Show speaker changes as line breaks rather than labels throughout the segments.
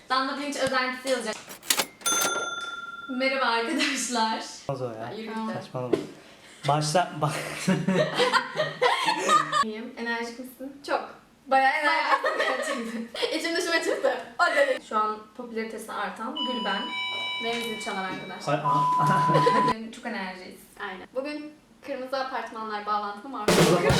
Damla Pirinç özentisi yazacak. Merhaba arkadaşlar.
Olmaz o ya.
Yürü git.
Saçmalama. Başla. Bak.
İyiyim. Enerjik misin?
Çok. Bayağı enerjik.
Gerçekten. İçim dışıma çıktı. O dedi. Şu an popülaritesi artan Gülben ve müzik çalan arkadaşlar. Bugün çok enerjiyiz.
Aynen. Bugün Kırmızı Apartmanlar bağlantılı maruz.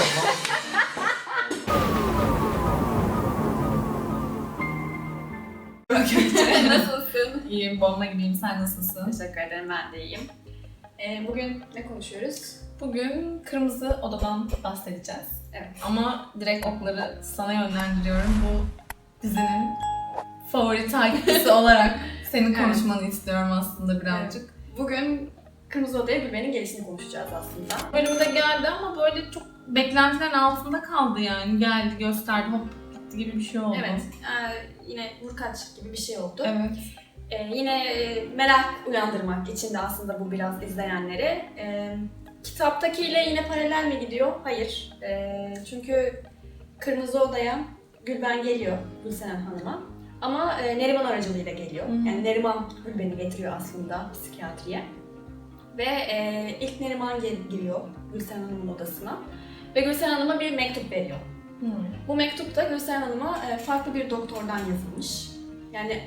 Nasılsın?
İyiyim, bomba gibiyim. Sen nasılsın?
Teşekkür ederim, ben de iyiyim. Bugün ne konuşuyoruz?
Bugün Kırmızı Oda'dan bahsedeceğiz.
Evet.
Ama direkt okları sana yönlendiriyorum. Bu dizinin favori takipçisi olarak senin konuşmanı istiyorum aslında birazcık.
Bugün Kırmızı Oda'ya Gülben'in gelişini konuşacağız aslında.
Bölümde geldi ama böyle çok beklentilerin altında kaldı yani. Geldi, gösterdi, hop gitti gibi bir şey oldu.
Evet, yine vurkaç gibi bir şey oldu.
Evet.
Yine merak uyandırmak için de aslında bu biraz izleyenleri. Kitaptakiyle yine paralel mi gidiyor? Hayır. Çünkü Kırmızı Oda'ya Gülben geliyor Gülseren Hanım'a. Ama Neriman aracılığıyla geliyor.
Hı hı.
Yani Neriman Gülben'i getiriyor aslında psikiyatriye. Ve ilk Neriman giriyor Gülseren Hanım'ın odasına. Ve Gülseren Hanım'a bir mektup veriyor. Bu mektup da Gülseren Hanım'a farklı bir doktordan yazılmış. Yani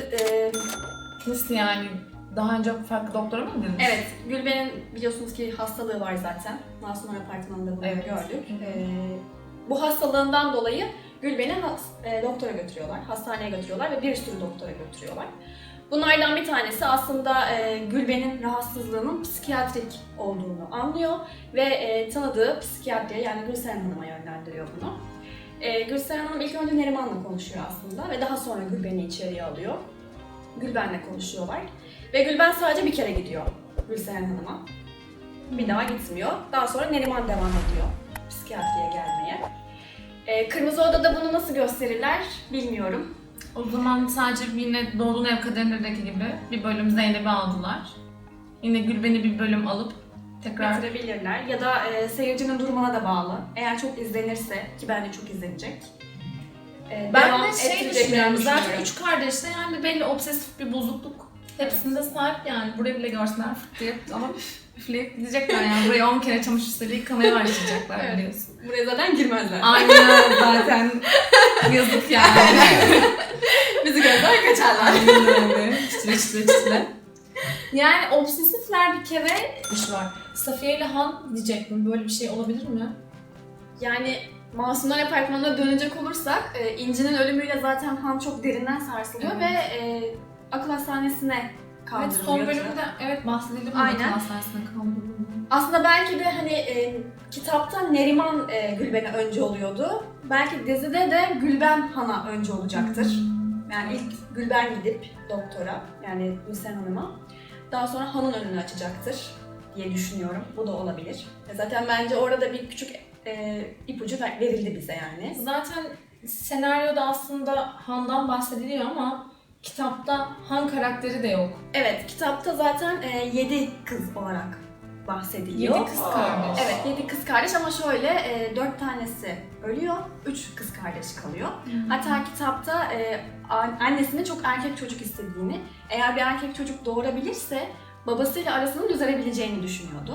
Nasıl yani? Daha önce farklı doktora mı gidilmiş?
evet, Gülben'in biliyorsunuz ki hastalığı var zaten. Masumlar Apartmanı'nda bunu
Evet.
gördük.
Hı hı.
Bu hastalığından dolayı Gülben'i doktora götürüyorlar, hastaneye götürüyorlar ve bir sürü doktora götürüyorlar. Bunlardan bir tanesi aslında Gülben'in rahatsızlığının psikiyatrik olduğunu anlıyor ve tanıdığı psikiyatriye yani Gülseren Hanım'a yönlendiriyor bunu. Gülseren Hanım ilk önce Neriman'la konuşuyor aslında ve daha sonra Gülben'i içeriye alıyor. Gülben'le konuşuyorlar ve Gülben sadece bir kere gidiyor Gülseren Hanım'a. Bir daha gitmiyor. Daha sonra Neriman devam ediyor psikiyatriye gelmeye. Kırmızı Oda'da bunu nasıl gösterirler bilmiyorum.
O zaman sadece yine Doğduğun Ev Kaderindeki gibi bir bölüm Zeynep'i aldılar. Yine Gülben'i bir bölüm alıp tekrar...
Bitirebilirler ya da seyircinin durumuna da bağlı. Eğer çok izlenirse ki bence çok izlenecek.
Ben
devam
de şey
ettireceklerini
düşünüyorum, zaten
düşünüyorum.
üç kardeşte yani belli obsesif bir bozukluk hepsinde sahip yani. Burayı bile görsünler fırt diye ama üfleyip gidecekler yani. Buraya 10 kere çamaşır suyuyla yıkamaya başlayacaklar
Evet.
biliyorsun.
Buraya zaten girmezler.
Aynen zaten yazık yani.
Bizi gözler kaçarlar.
Aynen öyle. Çitile çitile çitile. Yani obsesifler bir kere iş var. Safiye ile Han diyecektim. Böyle bir şey olabilir mi?
Yani Masumlar Apartmanı'na dönecek olursak İnci'nin ölümüyle zaten Han çok derinden sarsılıyor
Evet.
ve akıl hastanesine
Evet,
kaldırılıyor.
son bölümde evet bahsedelim.
Aynen.
Hastanesine kaldırılıyor.
Aslında belki de hani kitapta Neriman Gülben'e önce oluyordu. Belki dizide de Gülben Han'a önce olacaktır. Yani ilk Gülben gidip doktora yani Gülsen Hanım'a daha sonra Han'ın önünü açacaktır diye düşünüyorum. Bu da olabilir. Zaten bence orada bir küçük ipucu verildi bize yani.
Zaten senaryoda aslında Han'dan bahsediliyor ama kitapta Han karakteri de yok.
Evet, kitapta zaten 7 kız olarak bahsediliyor.
7 kız kardeş.
Evet, 7 kız kardeş ama şöyle 4 tanesi ölüyor, 3 kız kardeş kalıyor. Hatta kitapta annesinin çok erkek çocuk istediğini, eğer bir erkek çocuk doğurabilirse babasıyla arasının düzelebileceğini düşünüyordu.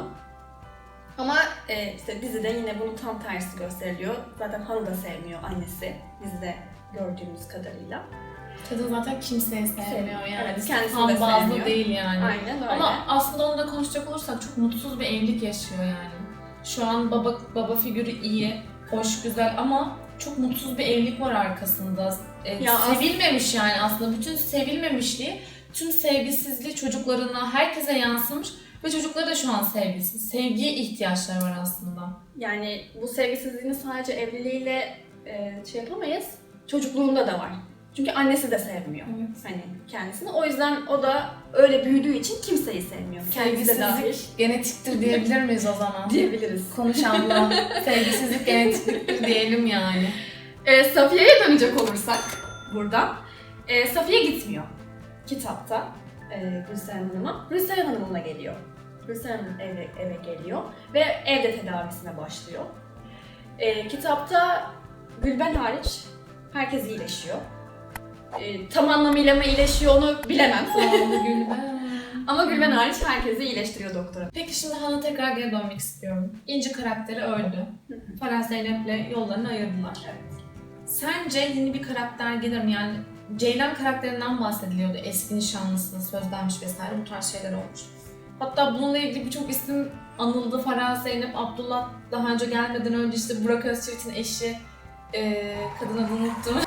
Ama işte dizide yine bunun tam tersi gösteriliyor. Zaten Han'ı da sevmiyor annesi, dizide gördüğümüz kadarıyla.
Kadın zaten kimseyi sevmiyor yani.
Evet, kendisini
Han
de
bazlı
sevmiyor.
değil yani.
Aynen öyle.
Ama aslında onu da konuşacak olursak çok mutsuz bir evlilik yaşıyor yani. Şu an baba figürü iyi, hoş, güzel ama çok mutsuz bir evlilik var arkasında.
Ya
Sevilmemiş yani aslında. Bütün sevilmemişliği, tüm sevgisizliği çocuklarına, herkese yansımış ve çocukları da şu an sevgisiz. Sevgiye ihtiyaçları var aslında.
Yani bu sevgisizliğini sadece evliliğiyle şey yapamayız, çocukluğunda da var. Çünkü annesi de sevmiyor hani kendisini. O yüzden o da öyle büyüdüğü için kimseyi sevmiyor. Kendisi de dahil
Sevgisizlik genetiktir diyebilir miyiz o zaman?
diyebiliriz.
Konuş abla. Sevgisizlik genetiktir diyelim yani.
Safiye'ye dönecek olursak buradan. Safiye gitmiyor kitapta Gülseren Hanım'a. Gülseren Hanım'la geliyor. Gülseren Hanım eve geliyor ve evde tedavisine başlıyor. Kitapta Gülben hariç herkes iyileşiyor. tam anlamıyla mı iyileşiyor onu bilemem.
Gülben.
Ama Gülben hariç herkesi iyileştiriyor doktora.
Peki şimdi Han'a tekrar geri dönmek istiyorum. İnci karakteri öldü. Farah Zeynep'le yollarını ayırdılar. Sence yeni bir karakter gelir mi? Yani Ceylan karakterinden bahsediliyordu. Eski nişanlısının sözlenmiş vesaire bu tarz şeyler olmuş. Hatta bununla ilgili birçok isim anıldı. Farah Zeynep, Abdullah daha önce gelmeden önce işte Burak Özçivit'in eşi, kadın adını unuttum.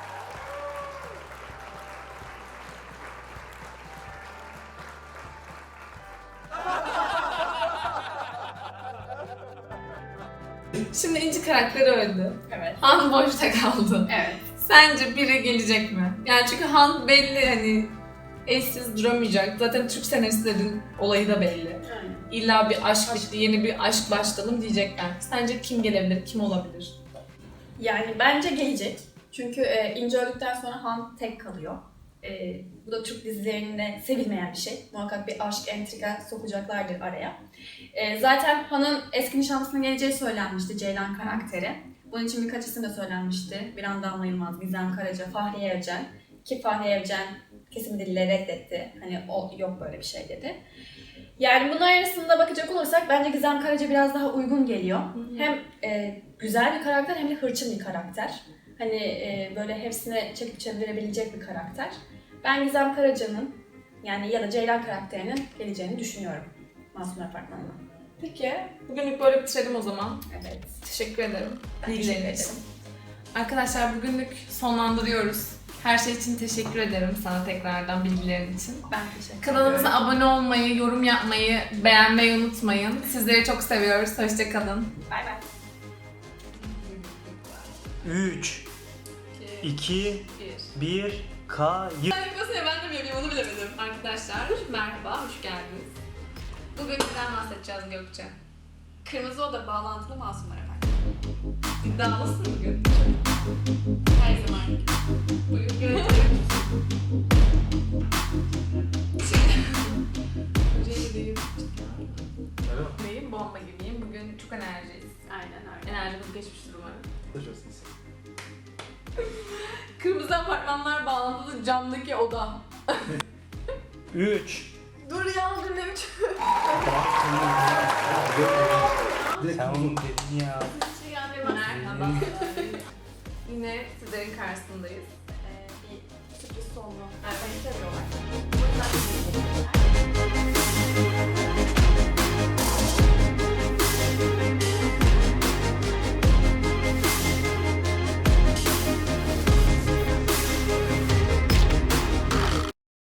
Şimdi İnci karakteri öldü.
Evet.
Han boşta kaldı.
Evet.
Sence biri gelecek mi? Yani çünkü Han belli hani eşsiz duramayacak. Zaten Türk senaristlerin olayı da belli. İlla bir aşk bitti, yeni bir aşk başlayalım diyecekler. Sence kim gelebilir, kim olabilir?
Yani bence gelecek. Çünkü İnci öldükten sonra Han tek kalıyor. Bu da Türk dizilerinde sevilmeyen bir şey. Muhakkak bir aşk, entrika sokacaklardır araya. Zaten Han'ın eski nişanlısının geleceği söylenmişti, Ceylan karakteri. Bunun için birkaç isim de söylenmişti. Bir anda Damla Yılmaz, Gizem Karaca, Fahriye Evcen. Ki Fahriye Evcen kesin bir dille reddetti. Hani o yok böyle bir şey dedi. Yani bunun arasında bakacak olursak bence Gizem Karaca biraz daha uygun geliyor. Hem güzel bir karakter hem de hırçın bir karakter. Hani böyle hepsine çekip çevirebilecek bir karakter. Ben Gizem Karaca'nın yani ya da Ceylan karakterinin geleceğini düşünüyorum Masum Apartmanı'na.
Peki, bugünlük böyle bitirelim o zaman.
Evet.
Teşekkür ederim.
Ben
bilgilerin
teşekkür
için.
ederim.
Arkadaşlar bugünlük sonlandırıyoruz. Her şey için teşekkür ederim sana tekrardan bilgilerin için.
Ben teşekkür
Kanalımıza
ediyorum.
abone olmayı, yorum yapmayı, beğenmeyi unutmayın. Sizleri çok seviyoruz. Hoşça kalın.
Bay bay.
3, 2, 1, kayıt.
Ben de bileyim, onu bilemedim. Arkadaşlar merhaba, hoş geldiniz. Bugün neden bahsedeceğiz Gökçe?
Kırmızı Oda bağlantılı masumlar efendim.
İddialısın bugün.
Her zaman.
Bugün göreceğiz. Neyim? Bomba gibiyim. Bugün çok enerjiyiz.
Aynen öyle.
Enerjimiz geçmiştir umarım. Kırmızı apartmanlar bağlantılı camdaki oda.
3.
Dur ya, dur ne biçim.
Sen onu dedin ya.
Merhaba. Yine sizlerin karşısındayız.